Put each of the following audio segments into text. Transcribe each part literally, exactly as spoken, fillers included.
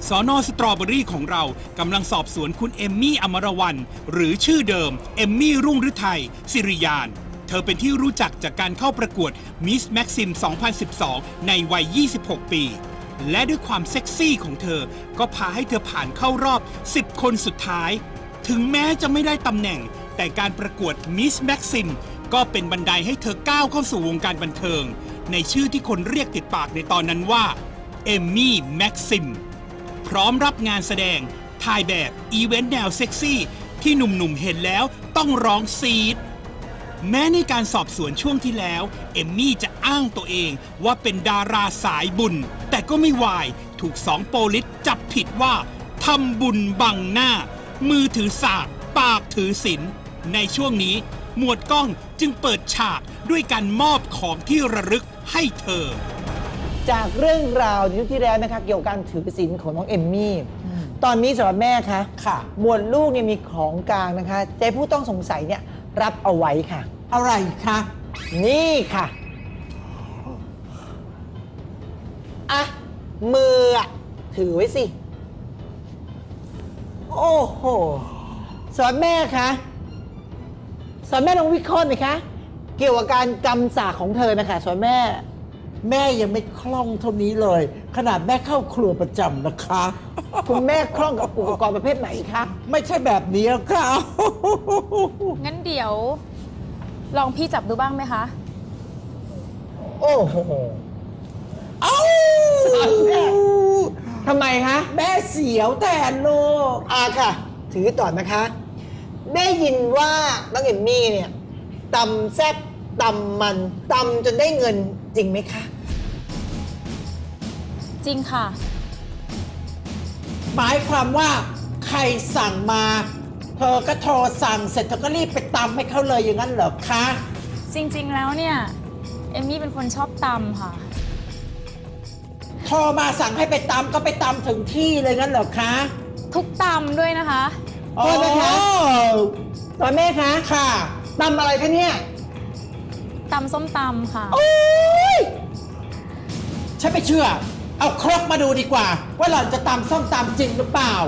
สน.สตรอเบอรี่ของเรากำลังสอบสวนคุณเอมมี่อมรวรรณหรือชื่อเดิมเอมมี่รุ่งฤทัยสิริยานเธอเป็นที่รู้จักจากการเข้าประกวด Miss Maxim สองพันสิบสอง ในวัย ยี่สิบหก ปี และด้วยความเซ็กซี่ของเธอก็พาให้เธอผ่านเข้ารอบ สิบ คนสุดท้าย ถึงแม้จะไม่ได้ตำแหน่งแต่การประกวด Miss Maxim ก็เป็นบันไดให้เธอก้าวเข้าสู่วงการบันเทิงในชื่อที่คนเรียกติดปากในตอนนั้นว่าเอมมี่แม็กซิมพร้อมรับงานแสดงถ่ายแบบอีเวนต์แนวเซ็กซี่ที่หนุ่มๆเห็นแล้วต้องร้องซีดแม้ในการสอบสวนช่วงที่แล้วเอมมี่จะอ้างตัวเองว่าเป็นดาราสายบุญแต่ก็ไม่วายถูกสองโปลิสจับผิดว่าทำบุญบังหน้ามือถือสากปากถือศีลในช่วงนี้หมวดกล้องจึงเปิดฉากด้วยการมอบของที่ระลึกให้เธอจากเรื่องราวในยุคที่แล้วนะคะเกี่ยวกับการถือศีลของน้องเอมมี่ตอนนี้สำหรับแม่คะค่ะหมวดลูกเนี่ยมีของกลางนะคะใจผู้ต้องสงสัยเนี่ยรับเอาไว้ค่ะอะไรคะนี่ค่ะอ่ะมืออะถือไว้สิโอ้โหสอนแม่คะสอนแม่ลองวิเคราะห์หน่อยคะเกี่ยวกับการจำศาสตร์ของเธอนะคะสอนแม่แม่ยังไม่คล่องเท่านี้เลยขนาดแม่เข้าครัวประจำนะคะคุณแม่คล่องกับอุปกรณ์ประเภทไหนคะไม่ใช่แบบนี้ค่ะงั้นเดี๋ยวลองพี่จับดูบ้างไหมคะโอ้โหเอ้าทำไมคะแม่เสียวแทนลูกอ่าค่ะถือต่อนะคะได้ยินว่าน้องเอมมี่เนี่ยตำแซ่บตำมันตำจนได้เงินจริงไหมคะจริงค่ะหมายความว่าใครสั่งมาเธอก็โทรสั่งเสร็จเธอก็รีบไปตำให้เขาเลยอย่างนั้นเหรอคะจริงๆแล้วเนี่ยเอมมี่เป็นคนชอบตำค่ะโทรมาสั่งให้ไปตำก็ไปตำถึงที่เลยงั้นเหรอคะทุกตำด้วยนะคะโทษนะคะตอนแม่คะค่ะตำอะไรคะเนี่ยตำส้มตำค่ะโอ้ยฉันไม่เชื่อเอาครกมาดูดีกว่าว่าหล่อนจะตำส้มตำจริงหรือเปล่า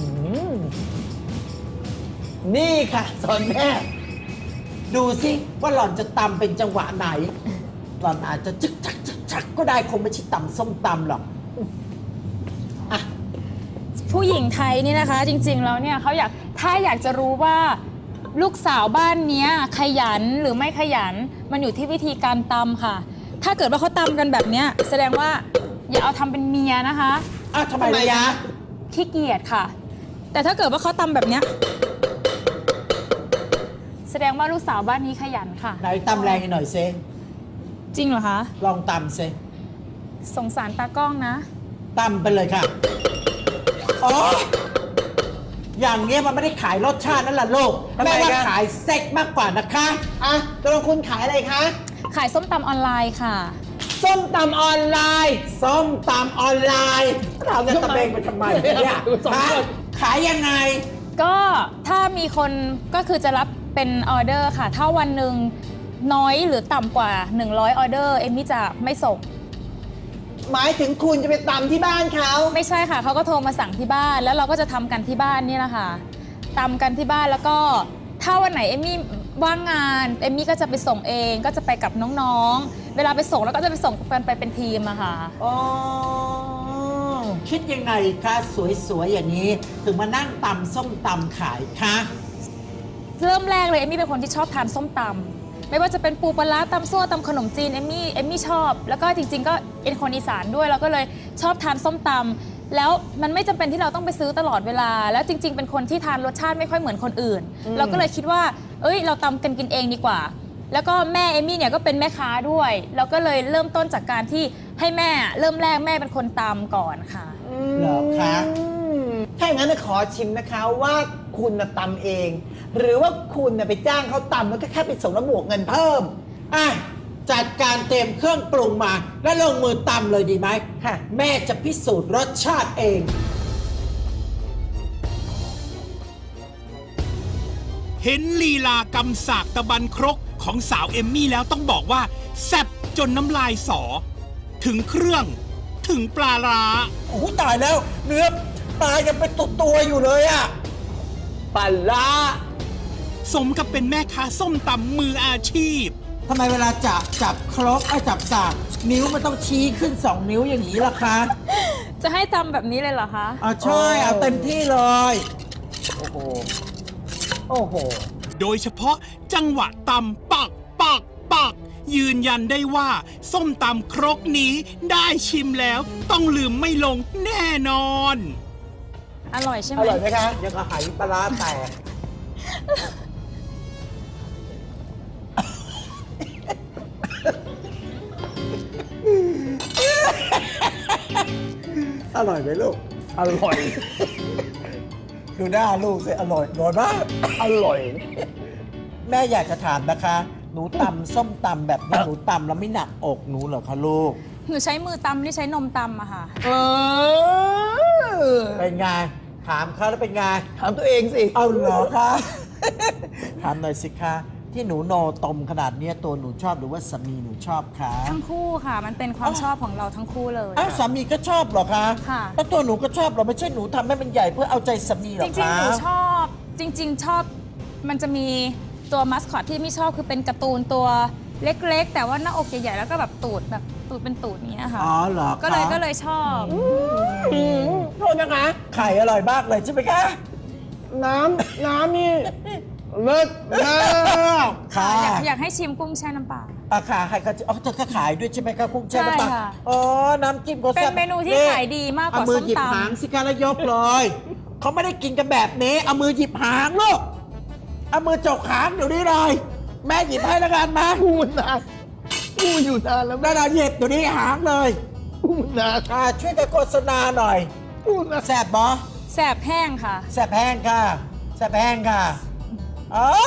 นี่ค่ะสอนแม่ดูสิว่าหล่อนจะตำเป็นจังหวะไหนหล่อนอาจจะจึกจักจึกจักก็ได้คงไม่ใช่ตำส้มตำหรอกอ่ะผู้หญิงไทยนี่นะคะจริงๆแล้วเนี่ยเขาอยากถ้าอยากจะรู้ว่าลูกสาวบ้านนี้ขยันหรือไม่ขยันมันอยู่ที่วิธีการตำค่ะถ้าเกิดว่าเขาตำกันแบบนี้แสดงว่าอย่าเอาทำเป็นเมียนะคะอ้าวทำไมยะขี้เกียจค่ะแต่ถ้าเกิดว่าเขาตำแบบนี้แสดงว่าลูกสาวบ้านนี้ขยันค่ะไหนตำแรงหน่อยเซจริงเหรอคะลองตำเซสงสารตากล้องนะตำไปเลยค่ะอ๋ออย่างเงี้ยมันไม่ได้ขายรสชาตินั่นแหละลูกแม่ว่าขายเซ็กมากกว่านะคะอ่ะตกลงคุณขายอะไรคะขายส้มตำออนไลน์ค่ะส้มตำออนไลน์ส้มตำออนไลน์เราจะตะเบงไปทำไมเนี่ยขายยังไงก็ถ้ามีคนก็คือจะรับเป็นออเดอร์ค่ะถ้าวันหนึ่งน้อยหรือต่ำกว่าหนึ่งร้อยออเดอร์เอมมี่จะไม่ส่งหมายถึงคุณจะไปตำที่บ้านเขาไม่ใช่ค่ะเขาก็โทรมาสั่งที่บ้านแล้วเราก็จะทำกันที่บ้านนี่แหละค่ะตำกันที่บ้านแล้วก็ถ้าวันไหนเอมมี่ว่างงานเอมมี่ก็จะไปส่งเองก็จะไปกับน้องๆเวลาไปส่งแล้วก็จะไปส่งกันไปเป็นทีมอะค่ะอ๋อคิดยังไงคะสวยๆอย่างนี้ถึงมานั่งตำส้มตำขายคะเริ่มแรกเลยเอมมี่เป็นคนที่ชอบทานส้มตำไม่ว่าจะเป็นปูปลาตำซั่วตำขนมจีนเอมมี่เอมมี่ชอบแล้วก็จริงๆก็เป็นคนอีสานด้วยเราก็เลยชอบทานส้มตำแล้วมันไม่จำเป็นที่เราต้องไปซื้อตลอดเวลาแล้วจริงๆเป็นคนที่ทานรสชาติไม่ค่อยเหมือนคนอื่นเราก็เลยคิดว่าเอ้ยเราตำกันกินเองดีกว่าแล้วก็แม่เอมมี่เนี่ยก็เป็นแม่ค้าด้วยเราก็เลยเริ่มต้นจากการที่ให้แม่เริ่มแรกแม่เป็นคนตำก่อนค่ะเหรอคะถ้าอย่างนั้นขอชิมนะคะว่าคุณมาตำเองหรือว่าคุณไปจ้างเขาตำแล้วก็แค่ไปส่งแล้วบวกเงินเพิ่มอ่ะจัดการเตรียมเครื่องปรุงมาแล้วลงมือตำเลยดีไหมค่ะแม่จะพิสูจน์รสชาติเองเห็นลีลากำสากตะบันครกของสาวเอมมี่แล้วต้องบอกว่าแซ่บจนน้ำลายสอถึงเครื่องถึงปลาร้าโอ้โหตายแล้ว เนื้อปลายังเป็นตัวตัวๆอยู่เลยอะปลาร้าสมกับเป็นแม่ค้าส้มตำมืออาชีพทำไมเวลาจับจับครกไอ้จับสากนิ้วมันต้องชี้ขึ้นสองนิ้วอย่างนี้ล่ะคะจะให้ทำแบบนี้เลยเหรอคะอ่ะใช่เอาเต็มที่เลยโอ้โห โอ้โหโดยเฉพาะจังหวะตำปักปักปัก ยืนยันได้ว่า ส้มตำครกนี้ได้ชิมแล้ว ต้องลืมไม่ลงแน่นอนอร่อยใช่ไหอมร่อยไหมคะยังกระหายปลาร้าแตก อร่อยไหมลูกอร่อยดูหน้าลูกสิอร่อยอร่อยมากอร่อยแม่อยากจะถามนะคะ หนูตำส้มตำแบบนี้หนูตำแล้วไม่หนักอกหนูเหรอคะลูกหนูใช้มือตำไม่ได้ใช้นมตำอะค่ะเออเป็นไง ถามเขาแล้วเป็นไงถามตัวเองสิเอาเหรอคะ ถามหน่อยสิคะ ที่หนูโนตมขนาดเนี้ยตัวหนูชอบหรือว่าสามีหนูชอบคะทั้งคู่ค่ะ มันเป็นความชอบของเราทั้งคู่เลยอ้าวสามีก็ชอบเหรอคะค่ะแล้วตัวหนูก็ชอบเหรอไม่ใช่หนูทำให้มันใหญ่เพื่อเอาใจสามีเหรจอริงคะๆ หนูชอบ จริง ๆ ชอบ มันจะมีตัวมัสคอตที่ไม่ชอบคือเป็นการ์ตูนตัวเล็กๆ แต่ว่าหน้าอกใหญ่ๆ แล้วก็แบบตูดแบบตูดเป็นตูดอย่างเงี้ยค่ะอ๋อเหรอคะก็เลยก็เลยชอบอืมโทษนะคะไข่อร่อยมากเลยใช่ไหมคะน้ำ น้ำนี่เลิศมากค่ะอยากอยากให้ชิมกุ้งแช่น้ำปลาอาคาใครเขาจะอ๋อเธอก็ขายด้วยใช่ไหมคะกุ้งแช่น้ำปลาใช่ค่ะอ๋อ น้ำจิ้มก็เป็นแซ่บเมนูที่ขายดีมากกว่าเอามือส้มหยิบตำหางสิคะแล้วยกเลยเขาไม่ได้กินกันแบบนี้ เอามือหยิบหางลูก เอามือจกหางเดี๋ยวนี้เลย แม่หยิบให้แล้วกันมาพูดนานพูดอยู่นานแล้วได้เลยหยิบเดี๋ยวนี้หางเลยพูดนานอ่าช่วยกันโฆษณาหน่อยพูดนานแซ่บบอแสบแห้งค่ะแซ่บแห้งค่ะแซ่บแห้งค่ะอ้าว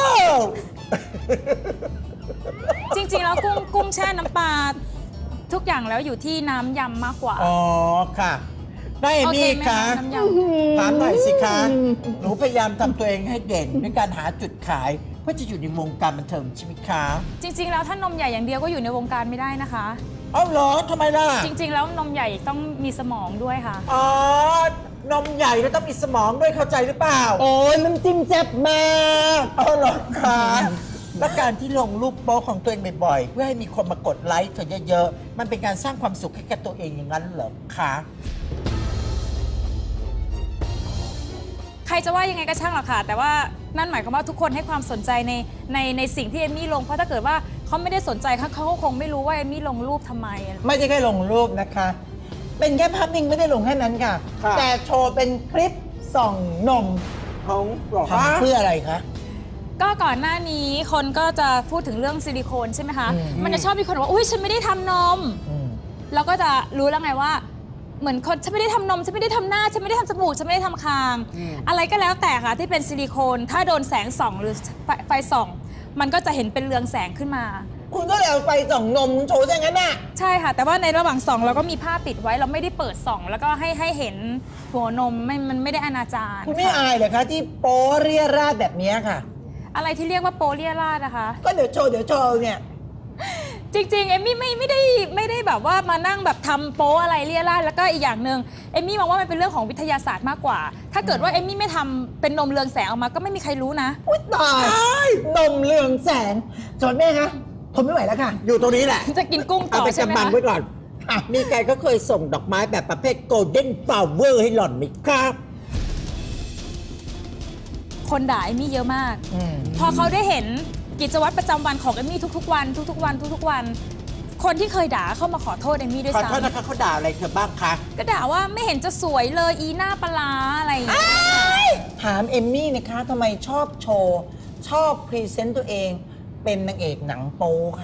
จริงๆ แล้วกุ้งกุ้งแช่น้ำปลาทุกอย่างแล้วอยู่ที่น้ำยำมากกว่าอ๋อค่ะได้เอโอเคมี่ไหมคะคะน้ำยำถามหน่อยสิคะ หนูพยายามทำตัวเองให้เด่นด้วยการหาจุดขาย เพื่อจะอยู่ในวงการบันเทิงใช่ไหมคะจริง ๆ แล้วถ้านมใหญ่อย่างเดียวก็อยู่ในวงการไม่ได้นะคะเอ้าเหรอทำไมล่ะจริง ๆ แล้วนมใหญ่ต้องมีสมองด้วยค่ะอ๋อ นมใหญ่แล้วต้องมีสมองด้วยเข้าใจหรือเปล่าโอ้ยน้ำจิ้มแซ่บมากเอาเหรอคะและการที่ลงรูปโป๊ของตัวเองบ่อยๆ เพื่อให้มีคนมากดไลค์เธอเยอะๆ มันเป็นการสร้างความสุขให้กับตัวเองอย่างนั้นเหรอคะใครจะว่ายังไงก็ช่างหรอกค่ะ แต่ว่านั่นหมายความว่าทุกคนให้ความสนใจในในในสิ่งที่เอมมี่ลง เพราะถ้าเกิดว่าเขาไม่ได้สนใจเขาเขาก็คงไม่รู้ว่าเอมมี่ลงรูปทำไมไม่ใช่แค่ลงรูปนะคะ เป็นแค่ภาพนิ่งไม่ได้ลงแค่นั้นค่ะค่ะแต่โชว์เป็นคลิปส่องนมของหรอคะทำเพื่ออะไรคะก็ก่อนหน้านี้คนก็จะพูดถึงเรื่องซิลิโคนใช่ไหมคะอืมมันจะชอบมีคนบอกว่าอุ้ยฉันไม่ได้ทำนมอืมเราก็จะรู้แล้วไงว่า เหมือนคนฉันไม่ได้ทำนมฉันไม่ได้ทำหน้าฉันไม่ได้ทำจมูกฉันไม่ได้ทำคาง อะไรก็แล้วแต่ค่ะที่เป็นซิลิโคน ถ้าโดนแสงส่องหรือไฟไฟส่อง มันก็จะเห็นเป็นเรืองแสงขึ้นมาคุณก็เลยเอาไปส่องนมโชว์ซะงั้นน่ะใช่ค่ะ แต่ว่าในระหว่างส่องเราก็มีผ้าปิดไว้เราไม่ได้เปิดส่อง แล้วก็ให้ให้เห็นหัวนมไม่มันไม่ได้อนาจารคุณไม่ค่ะอายเหรอคะที่โป๊เรียราดแบบนี้ค่ะอะไรที่เรียกว่าโปเลียราดนะคะก็เดี๋ยวโชว์เดี๋ยวโชว์เนี่ยจริงๆ เอมมี่ไม่ไม่ได้ไม่ได้แบบว่ามานั่งแบบทำโป๊อะไรเลี่ยราดแล้วก็อีกอย่างหนึ่งเอมมี่มองว่ามันเป็นเรื่องของวิทยาศาสตร์มากกว่า ถ้าเกิดว่าเอมมี่ไม่ทำเป็นนมเรืองแสงออกมาก็ไม่มีใครรู้นะอุ้ยตายนมเรืองแสงจนแม่คะทนไม่ไหวแล้วค่ะอยู่ตรงนี้แหละจะกินกุ้งต่เอาอไปใช่ไหมกำบังคะไว้ก่อน มีใครก็เคยส่งดอกไม้แบบประเภท golden flower ให้หล่อนไหมครับคนด่าเอมมี่เยอะมากอืมพอเขาได้เห็นกิจวัตรประจำวันของเอมมี่ทุกๆวันทุกๆวันทุกๆวัน คนที่เคยด่าเข้ามาขอโทษเอมมี่ด้วยขอซ้โทษนะคะเขาด่าอะไรเธอบ้างคะำก็ด่าว่าไม่เห็นจะสวยเลยอีหน้าปลาร้าอะไรอย่างเงี้ยถามเอมมี่นะคะทำไมชอบโชว์ ชอบพรีเซนต์ตัวเองเป็นนางเอกหนังโป๊ค่ะ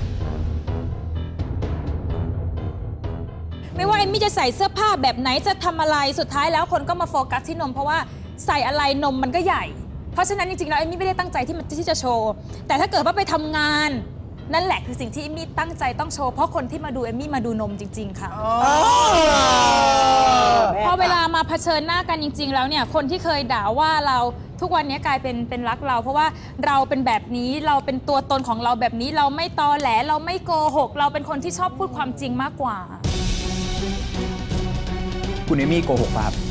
ไม่ว่าเอมมี่จะใส่เสื้อผ้าแบบไหนจะทำอะไรสุดท้ายแล้วคนก็มาโฟกัสที่นมเพราะว่าใส่อะไรนมมันก็ใหญ่ เพราะฉะนั้นจริงๆแล้วเอมมี่ไม่ได้ตั้งใจที่มันที่จะโชว์แต่ถ้าเกิดว่าไปทำงานนั่นแหละคือสิ่งที่เอมมี่ตั้งใจต้องโชว์เพราะคนที่มาดูเอมมี่มาดูนมจริง ๆ ค่ะพอเวลามาเผชิญหน้ากันจริง ๆ แล้วเนี่ยคนที่เคยด่าว่าเราทุกวันนี้กลายเป็นเป็นรักเรา เพราะว่าเราเป็นแบบนี้เราเป็นตัวตนของเราแบบนี้เราไม่ตอแหลเราไม่โกหก เราเป็นคนที่ชอบพูดความจริงมากกว่าคุณเอมี่โกหกป่ะครับ